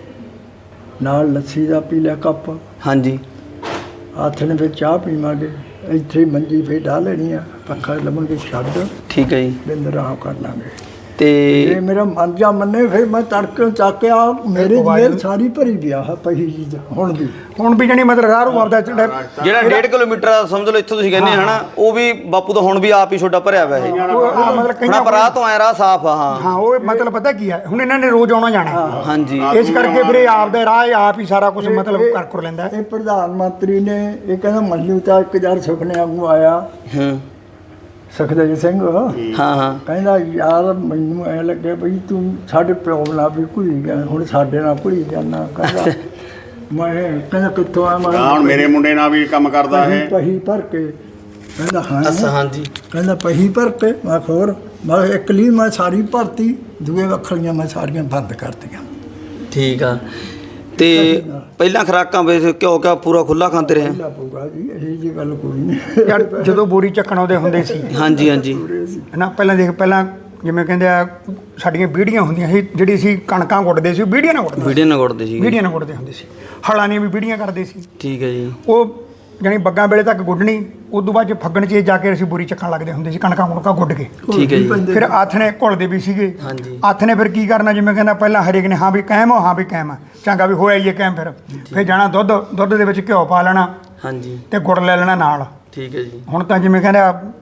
ਨਾਲ ਲੱਸੀ ਦਾ ਪੀ ਲਿਆ ਕੱਪ। ਹਾਂਜੀ। ਹੱਥ ਨੇ ਫਿਰ ਚਾਹ ਪੀਵਾਂਗੇ, ਇੱਥੇ ਹੀ ਮੰਜੀ ਫੇ ਢਾ ਲੈਣੀ ਆ, ਪੱਖਾ ਲਵਾਂਗੇ ਛੱਡ, ਠੀਕ ਹੈ ਜੀ। ਬਿੰਦ ਰਾਹ ਕਰ ਲਾਂਗੇ। ਤੇ ਜੇ ਮੇਰਾ ਮਨ ਜਾ ਮੰਨੇ ਫਿਰ ਮੈਂ ਤੜਕੇ ਚੱਕ ਕੇ ਆ ਮੇਰੇ ਮੇਰ ਸਾਰੀ ਭਰੀ ਪਿਆ ਹੈ ਪਹੀ ਜੀ ਦਾ ਹੁਣ ਵੀ। ਹੁਣ ਵੀ ਜਾਨੀ ਮਤਲਬ ਰਾਹ ਨੂੰ ਆਪਦਾ ਜਿਹੜਾ ਜਿਹੜਾ ਡੇਢ ਕਿਲੋਮੀਟਰ ਆ, ਸਮਝ ਲਓ ਇੱਥੋਂ ਤੁਸੀਂ ਕਹਿੰਦੇ ਹਨਾ, ਉਹ ਵੀ ਬਾਪੂ ਦਾ ਹੁਣ ਵੀ ਆਪ ਹੀ ਛੋਟਾ ਭਰਿਆ ਹੋਇਆ ਇਹ। ਉਹ- ਉਹ ਮਤਲਬ ਹੁਣ ਕਈਆਂ ਪਰ ਰਾਹ ਤੋਂ ਆਇਆ ਰਾਹ ਸਾਫ਼ ਆ। ਹਾਂ ਹਾਂ ਉਹ ਮਤਲਬ ਪਤਾ ਕੀ ਹੈ, ਹੁਣ ਇਹਨਾਂ ਨੇ ਰੋਜ਼ ਆਉਣਾ ਜਾਣਾ ਹੈ। ਹਾਂਜੀ। ਇਸ ਕਰਕੇ ਫਿਰ ਇਹ ਆਪਦਾ ਰਾਹ ਇਹ ਆਪ ਹੀ ਸਾਰਾ ਕੁਝ ਮਤਲਬ ਕਰ ਕਰ ਲੈਂਦਾ ਹੈ। ਇਹ ਪ੍ਰਧਾਨ ਮੰਤਰੀ ਨੇ ਇਹ ਕਹਿੰਦਾ ਮੰਨੂ ਤਾਂ ਇੱਕ ਹਜ਼ਾਰ ਸੁਪਨੇ ਵਾਂਗੂ ਆਇਆ ਹਾਂ ਸੁਖਦੇਵ ਸਿੰਘ, ਹਾਂ ਹਾਂ। ਕਹਿੰਦਾ ਯਾਰ ਮੈਨੂੰ ਐ ਲੱਗੇ ਬਈ ਤੂੰ ਸਾਡੇ ਪਿਓ ਨਾਲ ਵੀ ਘੁਲੀ ਗਿਆ, ਹੁਣ ਸਾਡੇ ਨਾਲ ਘੁਲੀ ਜਾਣਾ। ਕਹਿੰਦਾ ਮੈਂ ਕਹਿੰਦਾ ਕਿੱਥੋਂ ਆ ਮੈਂ ਹਾਂ ਹੁਣ ਮੇਰੇ ਮੁੰਡੇ ਨਾਲ ਵੀ ਕੰਮ ਕਰਦਾ ਪਹੀ ਹੈ। ਪਹੀ ਭਰ ਕੇ। ਕਹਿੰਦਾ ਹਾਂ। ਅੱਛਾ ਹਾਂਜੀ। ਕਹਿੰਦਾ ਪਹੀ ਭਰ ਕੇ। ਮੈਂ ਕਿਹਾ ਹੋਰ, ਮੈਂ ਕਿਹਾ ਇੱਕ ਲਈ ਮੈਂ ਸਾਰੀ ਭਰਤੀ, ਦੂਏ ਵੱਖਰੀਆਂ ਮੈਂ ਸਾਰੀਆਂ ਬੰਦ ਕਰਤੀਆਂ। ਠੀਕ ਆ। ਤੇ ਪਹਿਲਾਂ ਖੁਰਾਕਾਂ ਵੇ ਘਿਓ ਕਿਆ ਪੂਰਾ ਖੁੱਲਾ ਖਾਂਦੇ ਰਹੇ? ਪਹਿਲਾਂ ਪਊਗਾ ਜੀ, ਇਹ ਜੀ ਗੱਲ ਕੋਈ ਨਹੀਂ। ਯਾਰ ਜਦੋਂ ਬੋਰੀ ਚੱਕਣ ਆਉਂਦੇ ਹੁੰਦੇ ਸੀ ਹਾਂਜੀ ਹਾਂਜੀ। ਹਨਾ, ਪਹਿਲਾਂ ਦੇਖ ਪਹਿਲਾਂ ਜਿਵੇਂ ਕਹਿੰਦੇ ਆ ਸਾਡੀਆਂ ਬੀੜੀਆਂ ਹੁੰਦੀਆਂ ਸੀ, ਜਿਹੜੀ ਸੀ ਕਣਕਾਂ ਗੁੱਟਦੇ ਸੀ, ਉਹ ਬੀੜੀਆਂ ਨਾਲ ਗੁੱਟਦੇ ਵੀਡੀਓ ਨਾ ਗੁੱਟਦੇ ਸੀ। ਬੀੜੀਆਂ ਨਾਲ ਗੁੱਟਦੇ ਹੁੰਦੇ ਸੀ। ਹਲਾਂ ਦੀਆਂ ਵੀ ਬੀੜੀਆਂ ਕਰਦੇ ਸੀ। ਠੀਕ ਹੈ ਜੀ। ਉਹ ਜਾਣੀ ਬੱਗਾਂ ਵੇਲੇ ਤੱਕ ਗੁੱਡਣੀ, ਉਸ ਤੋਂ ਬਾਅਦ 'ਚ ਫੱਗਣ 'ਚ ਜਾ ਕੇ ਅਸੀਂ ਬੋਰੀ ਚੱਕਣ ਲੱਗਦੇ ਹੁੰਦੇ ਸੀ, ਕਣਕਾਂ ਕੁਣਕਾਂ ਗੁੱਡ ਕੇ। ਠੀਕ ਹੈ ਜੀ। ਫਿਰ ਆਥਣੇ ਘੁਲਦੇ ਵੀ ਸੀਗੇ। ਹਾਂਜੀ। ਆਥਣੇ ਫਿਰ ਕੀ ਕਰਨਾ, ਜਿਵੇਂ ਕਹਿੰਦਾ ਪਹਿਲਾਂ ਹਰੇਕ ਨੇ ਹਾਂ ਵੀ ਕਾਇਮ ਹੋ, ਹਾਂ ਵੀ ਕਾਇਮ ਆ, ਚੰਗਾ ਵੀ ਹੋਇਆ ਹੀ ਕਾਇਮ। ਫਿਰ ਫਿਰ ਜਾਣਾ ਦੁੱਧ ਦੁੱਧ ਦੇ ਵਿੱਚ ਘਿਓ ਪਾ ਲੈਣਾ ਹਾਂਜੀ। ਤੇ ਗੁੜ ਲੈ ਲੈਣਾ ਨਾਲ। ਠੀਕ ਹੈ ਜੀ। ਹੁਣ ਤਾਂ ਜਿਵੇਂ ਕਹਿੰਦਾ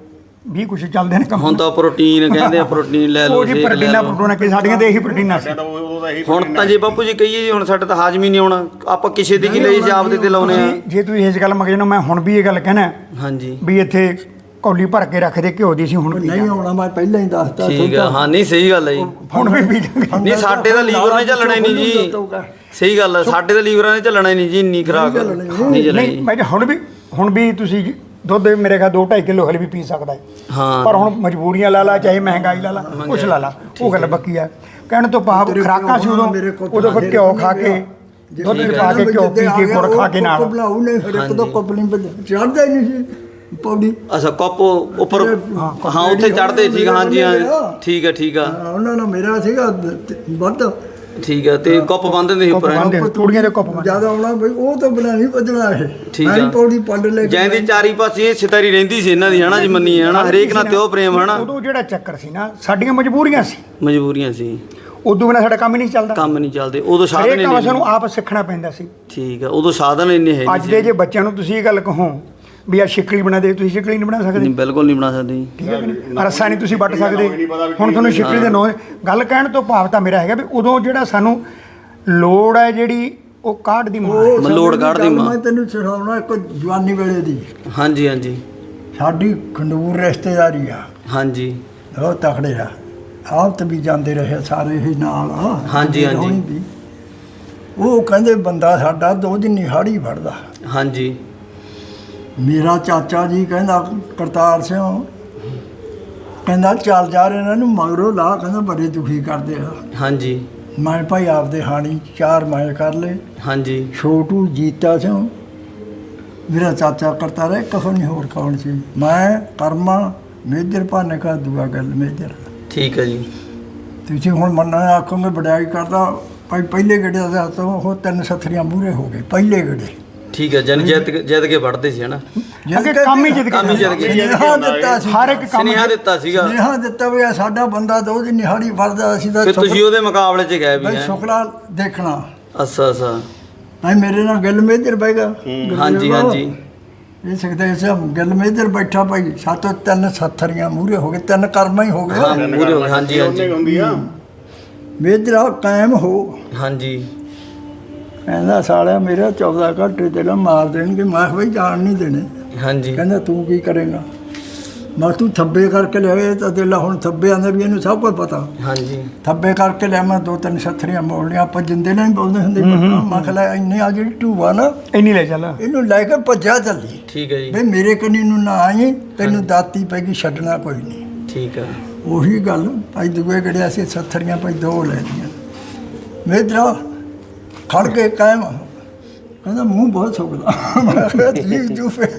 ਵੀ ਕੁਝ ਚੱਲਦੇ ਨੇ ਕੰਮ ਹੁਣ ਤਾਂ ਪ੍ਰੋਟੀਨ ਕਹਿੰਦੇ ਆ, ਪ੍ਰੋਟੀਨ ਲੈ ਲਓ, ਉਹ ਜੀ ਸ਼ੇਕ ਲੈ ਪ੍ਰੋਟੀਨਾਂ ਲਓ। ਪ੍ਰੋਟੀਨਾਂ ਕਿ ਸਾਡੀਆਂ ਤੇ ਇਹੀ ਪ੍ਰੋਟੀਨਾਂ ਸੀ। ਸਾਡਾ ਤਾਂ ਉਦੋਂ ਦਾ ਇਹੀ ਹੁਣ ਤਾਂ ਜੇ ਬਾਪੂ ਜੀ ਕਹੀਏ ਜੀ ਹੁਣ ਸਾਡੇ ਤਾਂ ਹਾਜ਼ਮ ਹੀ ਨਹੀਂ ਆਉਣਾ, ਆਪਾਂ ਕਿਸੇ ਦੀ ਕੀ ਲਈ ਸੀ, ਆਪਦੇ ਤੇ ਲਾਉਨੇ ਆ। ਤੁਸੀਂ- ਜੇ ਤੁਸੀਂ ਇਸ ਗੱਲ ਮੰਗੇ ਨਾ, ਮੈਂ ਹੁਣ ਵੀ ਇਹ ਗੱਲ ਕਹਿਣਾ ਹਾਂਜੀ ਵੀ ਇੱਥੇ ਕੌਲੀ ਭਰ ਕੇ ਰੱਖਦੇ ਘਿਓ ਦੀ ਸੀ, ਹੁਣ ਵੀ ਨਹੀਂ ਆਉਣਾ, ਮੈਂ ਪਹਿਲਾਂ ਹੀ ਦੱਸਤਾ ਠੀਕ ਆ। ਹਾਂ ਨਹੀਂ ਸਹੀ ਗੱਲ ਹੈ ਜੀ। ਹੁਣ ਵੀ ਪੀ ਜਾਂਗੇ। ਨਹੀਂ ਸਾਡੇ ਤਾਂ ਲੀਵਰ ਨੇ ਚੱਲਣਾ ਹੀ ਨਹੀਂ ਜੀ, ਸਹੀ ਗੱਲ ਹੈ, ਸਾਡੇ ਤਾਂ ਲੀਵਰਾਂ ਨੇ ਚੱਲਣਾ ਹੀ ਨਹੀਂ ਜੀ, ਇੰਨੀ ਖਰਾਕ ਨਹੀਂ ਨਹੀਂ ਚੱਲਣੀ। ਮੈਂ ਕਿਹਾ ਹੁਣ ਵੀ ਹੁਣ ਵੀ ਤੁਸੀਂ ਦੁੱਧ ਮੇਰੇ ਖਿਆਲ ਦੋ ਢਾਈ ਕਿਲੋ ਹਲੇ ਵੀ ਪੀ ਸਕਦਾ ਹੈ। ਹਾਂ ਪਰ ਹੁਣ ਮਜਬੂਰੀਆਂ ਲਾ ਲਾ, ਚਾਹੇ ਮਹਿੰਗਾਈ ਲਾ ਲਾ, ਕੁਛ ਲਾ ਲਾ, ਉਹ ਗੱਲ ਬੱਕੀ ਆ। ਕਹਿਣ ਤੋਂ ਭਾਵ ਖੁਰਾਕਾਂ ਸੀ ਉਦੋਂ, ਉਦੋਂ ਫਿਰ ਘਿਓ ਖਾ ਕੇ ਦੁੱਧ ਚ ਪਾ ਕੇ ਘਿਓ ਪੀ ਕੇ ਗੁੜ ਖਾ ਕੇ ਨਾਲ ਬਣਾਉ ਨੇ ਫਿਰ ਇੱਕ ਦੋ ਕਪਲਿੰਗ ਚੜਦਾ ਹੀ ਨਹੀਂ ਸੀ ਪੌੜੀ। ਅੱਛਾ ਕੱਪ ਉੱਪਰ ਹਾਂ ਉੱਥੇ ਚੜਦੇ ਠੀਕ, ਹਾਂਜੀ ਹਾਂ ਠੀਕ ਹੈ ਠੀਕ ਆ। ਹਾਂ, ਉਹਨਾਂ ਨਾਲ ਮੇਰਾ ਸੀਗਾ ਵੱਧ ਠੀਕ ਹੈ, ਤੇ ਕੱਪ ਬੰਨ੍ਹਦੇ ਹੁੰਦੇ ਸੀ ਉੱਪਰ ਐਂ। ਬੰਨ੍ਹਦੇ ਤੂੜੀਆਂ ਦੇ ਕੱਪ ਬੰਨ੍ਹਦੇ। ਜਿਆਦਾ ਆਉਣਾ ਬਈ ਉਹ ਤਾਂ ਬਣਾ ਨਹੀਂ ਭੱਜਣਾ ਇਹ। ਠੀਕ ਮੈਂ ਆ। ਪੌੜੀ ਪੰਡ ਲੈ ਕੇ ਜੈਂਦੀ ਚਾਰੀ ਪਾਸੇ ਸਿਤਾਰੀ ਰਹਿੰਦੀ ਸੀ ਇਹਨਾਂ ਦੀ, ਹਨਾ ਜੀ, ਮੰਨੀਏ ਹਨਾ, ਹਰੇਕ ਨਾਲ ਤਿਉ ਪ੍ਰੇਮ ਹਨਾ, ਉਦੋਂ ਜਿਹੜਾ ਚੱਕਰ ਸੀ ਨਾ, ਸਾਡੀਆਂ ਮਜਬੂਰੀਆਂ ਸੀ, ਮਜਬੂਰੀਆਂ ਸੀ, ਉਦੋਂ ਬਿਨਾਂ ਸਾਡਾ ਕੰਮ ਹੀ ਨਹੀਂ ਚੱਲਦਾ। ਕੰਮ ਨਹੀਂ ਚੱਲਦੇ ਉਦੋਂ, ਸਾਧਨ ਹਰੇਕ ਕੰਮ ਇੰਨੇ ਸਾਨੂੰ ਆਪ ਸਿੱਖਣਾ ਪੈਂਦਾ ਸੀ। ਠੀਕ ਆ, ਉਦੋਂ ਸਾਧਨ ਇੰਨੇ ਹੈ ਅੱਜ ਦੇ ਜੇ ਬੱਚਿਆਂ ਨੂੰ ਤੁਸੀਂ ਇਹ ਗੱਲ ਕਹੋ ਵੀ ਆ ਸ਼ਿਕਲੀ ਬਣਾ ਦੇ, ਤੁਸੀਂ ਸ਼ਿਕਲੀ ਨਹੀਂ ਬਣਾ ਸਕਦੇ। ਨਹੀਂ, ਬਿਲਕੁਲ ਨਹੀਂ ਬਣਾ ਸਕਦੇ ਜੀ। ਠੀਕ ਹੈ ਕਿ ਨਹੀਂ? ਰੱਸਾ ਨਹੀਂ ਤੁਸੀਂ ਵੱਟ ਸਕਦੇ। ਹੁਣ ਤੁਹਾਨੂੰ ਸ਼ਿਕਲੀ ਦੇ ਨੋ ਗੱਲ ਕਹਿਣ ਤੋਂ ਭਾਵ ਤਾਂ ਮੇਰਾ ਹੈਗਾ ਵੀ ਉਦੋਂ ਜਿਹੜਾ ਸਾਨੂੰ ਲੋੜ ਹੈ ਜਿਹੜੀ ਉਹ ਕਾਢ ਦੀ ਮਾਂ ਹੈ। ਉਹ ਮਲੋੜ ਕੱਢ ਦੀ ਮਾਂ। ਮੈਂ ਤੈਨੂੰ ਸੁਣਾਉਣਾ ਇੱਕ ਜਵਾਨੀ ਵੇਲੇ ਦੀ। ਹਾਂਜੀ ਹਾਂਜੀ ਸਾਡੀ ਖੰਡੂਰ ਰਿਸ਼ਤੇਦਾਰੀ ਆ, ਹਾਂਜੀ ਬਹੁਤ ਤਕੜੇ ਆ, ਆਪ ਤੇ ਵੀ ਜਾਂਦੇ ਰਹੇ ਸਾਰੇ ਹੀ ਨਾਲ ਆ। ਹਾਂਜੀ, ਹਾਂਜੀ। ਹੋਣੀ ਵੀ। ਉਹ ਕਹਿੰਦੇ ਬੰਦਾ ਸਾਡਾ ਦੋ ਦਿਨ ਹਾੜੀ ਫੜਦਾ। ਹਾਂਜੀ ਮੇਰਾ ਚਾਚਾ ਜੀ ਕਹਿੰਦਾ ਕਰਤਾਰ ਸਿੰਘ ਕਹਿੰਦਾ ਚੱਲ ਜਾ ਰਹੇ ਇਹਨਾਂ ਨੂੰ ਮਗਰੋਂ ਲਾ, ਕਹਿੰਦਾ ਬੜੇ ਦੁਖੀ ਕਰਦੇ ਆ। ਹਾਂਜੀ ਮੈਂ ਭਾਈ ਆਪਦੇ ਹਾਣੀ ਚਾਰ ਮੈਂ ਕਰ ਲਏ। ਹਾਂਜੀ ਛੋਟੂ ਜੀਤਾ ਸਿੰਘ ਮੇਰਾ ਚਾਚਾ ਕਰਤਾ ਰਿਹਾ, ਕখন ਨਹੀਂ ਹੋਰ ਕੌਣ ਸੀ। ਮੈਂ ਕਰਮਾ ਮੇਜਰ ਭਾਨੇ ਕਾ ਦੂਆ ਗੱਲ ਮੇਜਰ। ਠੀਕ ਹੈ ਜੀ। ਤੁਸੀਂ ਹੁਣ ਮੰਨਣਾ ਆਖੋਗੇ ਵਡਿਆਈ ਕਰਦਾ ਭਾਈ, ਪਹਿਲੇ ਗੇੜੇ ਦਾ ਤਾਂ ਉਹ ਤਿੰਨ ਸੱਥਰੀਆਂ ਮੂਹਰੇ ਹੋ ਗਏ ਪਹਿਲੇ ਗੇੜੇ। ਠੀਕ ਹੈ, ਜਨ ਜਿੱਤ ਕੇ- ਜਿੱਤ ਕੇ ਵੜਦੇ ਸੀ ਹਨਾ, ਅੱਗੇ ਕੰਮ ਹੀ ਜਿੱਦ ਕੰਮ ਹੀ ਜਿੱਤ ਕੇ ਸੁਨੇਹਾ ਦਿੱਤਾ ਸੀ, ਹਰ ਇੱਕ ਕੰਮ ਸੁਨੇਹਾ ਦਿੱਤਾ ਸੀਗਾ, ਸੁਨੇਹਾ ਦਿੱਤਾ ਵੀ ਆਹ ਸਾਡਾ ਬੰਦਾ ਦੋ ਦਿਨ ਹਾੜੀ ਫੜਦਾ, ਅਸੀਂ ਤਾਂ ਫਿਰ ਤੁਸੀਂ ਉਹਦੇ ਮੁਕਾਬਲੇ 'ਚ ਗਏ ਵੀ ਭਾਈ ਹੈ। ਸ਼ੁਕਲਾ ਦੇਖਣਾ। ਅੱਛਾ ਅੱਛਾ ਭਾਈ ਮੇਰੇ ਨਾਲ ਗੱਲ ਮੇਜਰ ਬੈਗਾ। ਹਾਂਜੀ ਹਾਂਜੀ ਇਹ ਸਕਦੇ ਸੀ ਗੱਲ ਮੇਜਰ ਬੈਠਾ ਭਾਈ, ਸਾਤੋਂ ਤਿੰਨ ਸੱਥਰੀਆਂ ਮੂਹਰੇ ਹੋ ਗਏ, ਤਿੰਨ ਕਰਮਾਂ ਹੀ ਹੋ ਹਾਂ ਗਏ। ਮੂਰੇ ਹੋ ਗਏ, ਹਾਂਜੀ ਉਹਨੇ ਹਾਂਜੀ ਹੁੰਦੀ ਆ। ਮੇਜਰਾ ਕਾਇਮ ਹੋ। ਹਾਂਜੀ ਕਹਿੰਦਾ ਸਾਲਿਆ ਮੇਰਾ ਚੌਦਾਂ ਘੰਟੇ ਤੇ ਮਾਰ ਦੇਣਗੇ। ਮੈਂ ਕਿਹਾ ਬਈ ਜਾਣ ਨਹੀਂ ਦੇਣੇ। ਹਾਂਜੀ ਕਹਿੰਦਾ ਤੂੰ ਕੀ ਕਰੇਗਾ? ਮੈਂ ਤੂੰ ਥੱਬੇ ਕਰਕੇ ਲਿਆਏ ਤਾਂ ਦਿਲ ਹੁਣ ਥੱਬੇ ਆਂਦੇ ਵੀ ਇਹਨੂੰ ਸਭ ਕੁਝ ਪਤਾ। ਹਾਂਜੀ ਥੱਬੇ ਕਰਕੇ ਲਿਆ ਮੈਂ ਦੋ ਤਿੰਨ ਸੱਥਰੀਆਂ ਮੋੜਨੀਆਂ, ਆਪਾਂ ਜਿੰਦੇ ਨਾਲ ਹੀ ਬੋਲਦੇ ਹੁੰਦੇ। ਮੈਂ ਕਿਹਾ ਲੈ ਇੰਨੇ ਆ ਜਿਹੜੀ ਢੂਆ ਨਾ ਇੰਨੀ ਲੈ ਚੱਲ। ਇਹਨੂੰ ਲੈ ਕੇ ਭੱਜਿਆ ਚੱਲੀ ਠੀਕ ਹੈ ਜੀ। ਬਈ ਮੇਰੇ ਕੰਨੀ ਨੂੰ ਨਾ ਆਈ, ਤੈਨੂੰ ਦਾਤੀ ਪੈ ਗਈ, ਛੱਡਣਾ ਕੋਈ ਨਹੀਂ। ਠੀਕ ਹੈ ਉਹੀ ਗੱਲ ਭਾਈ ਦੂਏ ਗੜਿਆ ਸੀ ਸੱਥਰੀਆਂ ਭਾਈ ਦੋ ਲੈ ਲਈਆਂ। ਮੇਜਰਾ ਖੜ ਕੇ ਕਾਇਮ ਕਹਿੰਦਾ ਮੂੰਹ ਬਹੁਤ ਸੁੱਕਦਾ। ਮੈਂ ਕਿਹਾ ਜੀਵ ਜੂ ਫੇਰ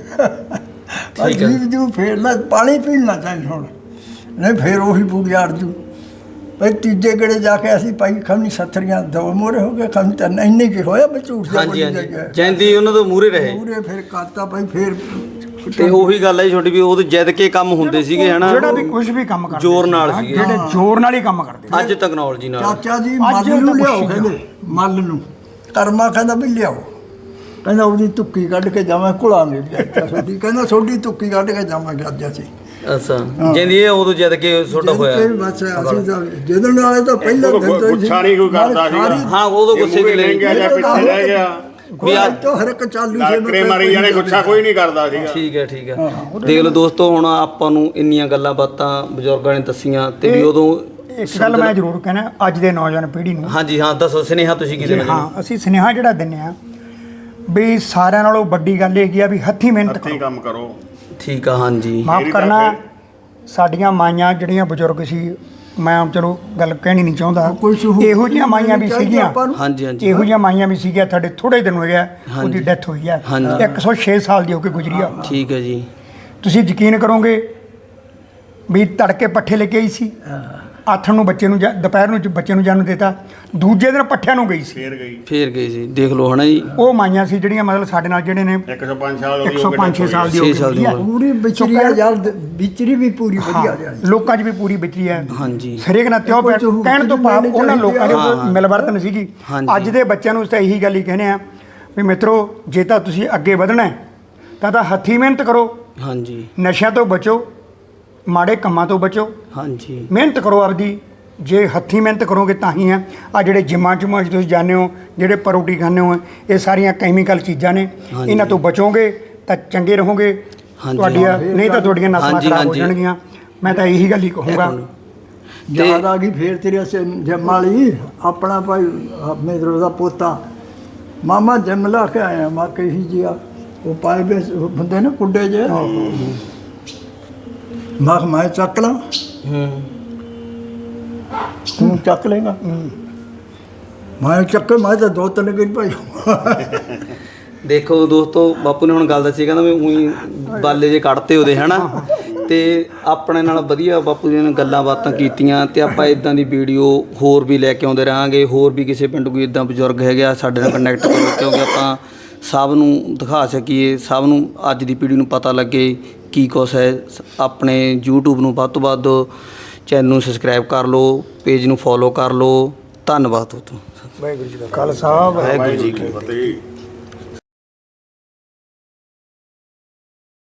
ਭਾਈ ਠੀਕ ਹੈ। ਜੀਵ ਜੂ ਫੇਰ ਲੈ ਪਾਣੀ ਪੀਣਾ ਚਾਹੀਦਾ ਹੁਣ ਨਹੀਂ, ਫੇਰ ਉਹੀ ਬੂੜੀ ਅੜ ਜੂ। ਭਾਈ ਤੀਜੇ ਗੜੇ ਜਾ ਕੇ ਅਸੀਂ ਭਾਈ ਖਮਨੀ ਸੱਥਰੀਆਂ ਦੋ ਮੋਰੇ ਹੋ ਗਏ, ਖਮਨੀ ਤਿੰਨ, ਇੰਨੇ ਕੀ ਹੋਇਆ ਮੈਂ ਝੂਠ ਜਾ ਹਾਂਜੀ ਹਾਂਜੀ ਜੈਂਦੀ ਉਹਨਾਂ ਤੋਂ ਮੂਰੇ ਰਹੇ, ਮੂਰੇ ਫਿਰ ਕਰਤਾ ਭਾਈ ਫੇਰ। ਤੇ ਉਹੀ ਗੱਲ ਹੈ ਜੀ ਛੋਟੀ ਵੀ ਉਦੋਂ ਜਿੱਦ ਕੇ ਕੰਮ ਹੁੰਦੇ ਸੀਗੇ ਹਨਾ, ਜਿਹੜਾ ਵੀ ਕੁਝ ਵੀ ਕੰਮ ਕਰਦੇ ਜ਼ੋਰ ਨਾਲ ਸੀ, ਸੀਗੇ। ਜਿਹੜੇ ਜ਼ੋਰ ਨਾਲ ਹੀ ਕੰਮ ਕਰਦੇ ਅੱਜ ਟੈਕਨੋਲੋਜੀ ਨਾਲ। ਚਾਚਾ ਜੀ ਅੱਜ ਮੱਲ ਨੂੰ ਤਾਂ ਲਿਆਓ, ਪੁੱਛੀ ਕਹਿੰਦੇ ਮੱਲ ਨੂੰ। ਕਰਮਾ ਕਹਿੰਦਾ ਵੀ ਲਿਆਓ, ਕਹਿੰਦਾ ਉਹਦੀ ਤੁੱਕੀ ਕੱਢ ਕੇ ਜਾਵਾਂ ਘੁਲਾਂਗੇ ਚਾਚਾ ਛੋਟੀ, ਕਹਿੰਦਾ ਛੋਟੀ ਤੁੱਕੀ ਕੱਢ ਕੇ ਜਾਵਾਂਗੇ ਅੱਜ ਅਸੀਂ। ਅੱਛਾ ਜੈਂਦੀ ਇਹ ਉਦੋਂ ਜਿੱਦ ਕੇ ਛੋਟਾ ਹੋਇਆ। ਤੇ ਬਸ ਅਸੀਂ ਤਾਂ ਜਦੋਂ ਨਾਲੇ ਤਾਂ ਪਹਿਲਾਂ ਉਦੋਂ ਦਿਨ ਤੋਂ ਹੀ ਗੁੱਸਾ ਨਹੀਂ ਕੋਈ ਕਰਦਾ ਸੀਗਾ। ਹਾਂ ਉਦੋਂ ਗੁੱਸੇ ਚ ਲੈ ਗਿਆ ਜਾਂ ਪਿੱਛੇ ਰਹਿ ਗਿਆ, ਵੀ ਅੱਜ ਤੋਂ ਹਰ ਇੱਕ ਚਾਲੂ ਸੇ ਡਾਕਟਰੇ ਮਾਰੀ ਜਾਣੇ, ਗੁੱਸਾ ਕੋਈ ਨਹੀਂ ਕਰਦਾ ਸੀਗਾ। ਠੀਕ ਹੈ ਠੀਕ ਹੈ। ਦੇਖ ਲਓ ਦੋਸਤੋ, ਹੁਣ ਆਪਾਂ ਨੂੰ ਇੰਨੀਆਂ ਗੱਲਾਂ ਬਾਤਾਂ ਬਜ਼ੁਰਗਾਂ ਨੇ ਦੱਸੀਆਂ ਤੇ ਵੀ ਉਦੋਂ ਇੱਕ ਗੱਲ ਮੈਂ ਜ਼ਰੂਰ ਕਹਿਣਾ ਅੱਜ ਦੇ ਨੌਜਵਾਨ ਪੀੜ੍ਹੀ ਨੂੰ। ਹਾਂਜੀ ਹਾਂ ਦੱਸੋ ਸੁਨੇਹਾ ਤੁਸੀਂ ਕੀ ਦੇਣਾ ਜੀ? ਹਾਂ ਅਸੀਂ ਸੁਨੇਹਾ ਜਿਹੜਾ ਦਿੰਦੇ ਆ ਵੀ ਸਾਰਿਆਂ ਨਾਲੋਂ ਵੱਡੀ ਗੱਲ ਇਹ ਕੀ ਆ ਵੀ ਹੱਥੀਂ ਮਿਹਨਤ ਹੱਥੀਂ ਕਰੋ। ਕੰਮ ਕਰੋ। ਠੀਕ ਆ ਹਾਂਜੀ ਮਾਫ ਮੇਰੀ ਕਰਨਾ, ਗੱਲ ਸਾਡੀਆਂ ਮਾਈਆਂ ਜਿਹੜੀਆਂ ਬਜ਼ੁਰਗ ਸੀ, ਮੈਂ ਚਲੋ ਗੱਲ ਕਹਿਣੀ ਨਹੀਂ ਚਾਹੁੰਦਾ, ਕੋਈ ਸਹੂਲਤ ਇਹੋ ਜਿਹੀਆਂ ਮਾਈਆਂ ਵੀ ਚਾਹੀਦੀ ਸੀਗੀਆਂ, ਆਪਾਂ ਨੂੰ। ਹਾਂਜੀ ਹਾਂਜੀ ਇਹੋ ਜਿਹੀਆਂ ਮਾਈਆਂ ਵੀ ਸੀਗੀਆਂ। ਤੁਹਾਡੇ ਥੋੜੇ ਦਿਨ ਹੋਏ ਆ ਉਹਦੀ ਡੈਥ ਹੋਈ ਹੈ, ਹਾਂਜੀ। ਇੱਕ ਸੌ ਛੇ ਸਾਲ ਦੀ ਹੋ ਕੇ ਗੁਜ਼ਰੀ ਆ। ਠੀਕ ਹੈ ਜੀ। ਤੁਸੀਂ ਯਕੀਨ ਕਰੋਗੇ ਵੀ ਤੜਕੇ ਪੱਠੇ ਲੈ ਕੇ ਆਈ ਸੀ, ਆਥਣ ਨੂੰ ਬੱਚੇ ਨੂੰ, ਦੁਪਹਿਰ ਨੂੰ ਬੱਚੇ ਨੂੰ ਜਨਮ ਦਿੱਤਾ, ਦੂਜੇ ਦਿਨ ਪੱਠਿਆਂ ਨੂੰ ਗਈ ਸੀ। ਫੇਰ ਗਈ ਫੇਰ ਗਈ ਸੀ, ਦੇਖ ਲਓ ਹਨਾ ਜੀ। ਉਹ ਮਾਈਆਂ ਸੀ ਜਿਹੜੀਆਂ ਮਤਲਬ ਸਾਡੇ ਨਾਲ ਜਿਹੜੇ ਨੇ ਇੱਕ ਸੌ ਪੰਜ ਸਾਲ ਇੱਕ ਸੌ ਪੰਜ ਛੇ ਸਾਲ ਦੀ ਹੋ ਛੇ ਸਾਲ ਦੀ ਗਈ ਆ। ਉਮਰ। ਪੂਰੀ ਵਿਚਰੀ ਆ ਯਾਰ, ਵਿਚਰੀ ਵੀ ਪੂਰੀ ਵਧੀਆ ਹਾਂ, ਜਾਣੀ। ਲੋਕਾਂ 'ਚ ਵੀ ਪੂਰੀ ਵਿਚਰੀ ਹੈ। ਹਾਂਜੀ ਹਰੇਕ ਨਾਲ ਤਿਉ ਪਿਆ, ਕੋਈ ਕਹਿਣ ਤੋਂ ਭਾਵ ਉਹਨਾਂ ਲੋਕਾਂ ਦੇ ਹਾਂ, ਕੋਲ ਮਿਲਵਰਤਨ ਸੀਗੀ। ਹਾਂਜੀ। ਅੱਜ ਦੇ ਬੱਚਿਆਂ ਨੂੰ ਤਾਂ ਇਹੀ ਗੱਲ ਹੀ ਕਹਿੰਦੇ ਆ ਵੀ ਮਿੱਤਰੋ, ਜੇ ਤਾਂ ਤੁਸੀਂ ਅੱਗੇ ਵਧਣਾ ਹੈ ਤਾਂ ਤਾਂ ਹੱਥੀਂ ਮਿਹਨਤ ਕਰੋ, ਹਾਂਜੀ ਨਸ਼ਿਆਂ ਤੋਂ ਬਚੋ, ਮਾੜੇ ਕੰਮਾਂ ਤੋਂ ਬਚੋ, ਹਾਂਜੀ ਮਿਹਨਤ ਕਰੋ ਆਪਦੀ। ਜੇ ਹੱਥੀਂ ਮਿਹਨਤ ਕਰੋਗੇ ਤਾਂ ਹੀ ਹੈ। ਆ ਜਿਹੜੇ ਜਿਮਾਂ ਜੁਮਾਂ 'ਚ ਤੁਸੀਂ ਜਾਂਦੇ ਹੋ, ਜਿਹੜੇ ਪਰੋਟੀ ਖਾਂਦੇ ਹੋ, ਇਹ ਸਾਰੀਆਂ ਕੈਮੀਕਲ ਚੀਜ਼ਾਂ ਨੇ। ਹਾਂਜੀ। ਇਹਨਾਂ ਤੋਂ ਬਚੋਗੇ ਤਾਂ ਚੰਗੇ ਰਹੋਗੇ। ਹਾਂਜੀ। ਤੁਹਾਡੀਆਂ ਨਹੀਂ ਤਾਂ ਤੁਹਾਡੀਆਂ ਨਸਲਾਂ ਹਾਂਜੀ, ਖਰਾਬ ਹੋ ਹਾਂਜੀ। ਜਾਣਗੀਆਂ। ਮੈਂ ਤਾਂ ਇਹੀ ਗੱਲ ਹੀ ਕਹੂੰਗਾ। ਯਾਦ ਆ ਗਈ ਫੇਰ ਤੇਰੇ ਸੇ ਜਮਾਲੀ ਆਪਣਾ ਭਾਈ ਮੇਦਰੋ ਦਾ ਪੋਤਾ ਮਾਮਾ ਜੰਮ ਲਾ ਕੇ ਆਇਆ। ਮਾ ਕਹੀ ਜੀ ਆ ਉਹ ਪਾਏ ਵੇ ਹੁੰਦੇ ਨੇ ਕੁੱਡੇ ਜੇ ਮਾ ਮੈਂ ਚੱਕ ਲਾਂ ਹੂੰ ਤੂੰ ਚੱਕ ਲੇਗਾ ਮੈਂ ਚੱਕ ਮੈਂ ਤਾਂ ਦੋ ਤਿੰਨ ਦਿਨ ਭਾਈ ਦੇਖੋ ਦੋਸਤੋ, ਬਾਪੂ ਨੇ ਹੁਣ ਗੱਲ ਦੱਸੀ, ਕਹਿੰਦਾ ਵੀ ਉਹੀ ਬਾਲੇ ਜੇ ਕੱਢਤੇ ਉਹਦੇ ਹਨਾ। ਤੇ ਆਪਣੇ ਨਾਲ ਵਧੀਆ ਬਾਪੂ ਜੀ ਨੇ ਗੱਲਾਂ ਬਾਤਾਂ ਕੀਤੀਆਂ ਤੇ ਆਪਾਂ ਇਦਾਂ ਦੀ ਵੀਡੀਓ ਹੋਰ ਵੀ ਲੈ ਕੇ ਆਉਂਦੇ ਰਹਾਂਗੇ। ਹੋਰ ਵੀ ਕਿਸੇ ਪਿੰਡ ਕੋਈ ਇਦਾਂ ਬਜ਼ੁਰਗ ਹੈਗੇ ਆ ਸਾਡੇ ਨਾਲ ਕਨੈਕਟ ਕਰੋ, ਕਿਉਂਕਿ ਆਪਾਂ ਸਭ ਨੂੰ ਦਿਖਾ ਸਕੀਏ, ਸਭ ਨੂੰ ਅੱਜ ਦੀ ਪੀੜ੍ਹੀ ਨੂੰ ਪਤਾ ਲੱਗੇ ਕੀ ਕੁਛ ਹੈ। ਆਪਣੇ YouTube ਨੂੰ ਵੱਧ ਤੋਂ ਵੱਧ ਚੈਨਲ ਨੂੰ ਸਬਸਕ੍ਰਾਈਬ ਕਰ ਲਓ, ਪੇਜ ਨੂੰ ਫੋਲੋ ਕਰ ਲਓ। ਧੰਨਵਾਦ ਦੋਸਤੋ। ਵਾਹਿਗੁਰੂ ਜੀ ਕਾ ਖਾਲਸਾ, ਵਾਹਿਗੁਰੂ ਜੀ ਕੀ ਫਤਿਹ।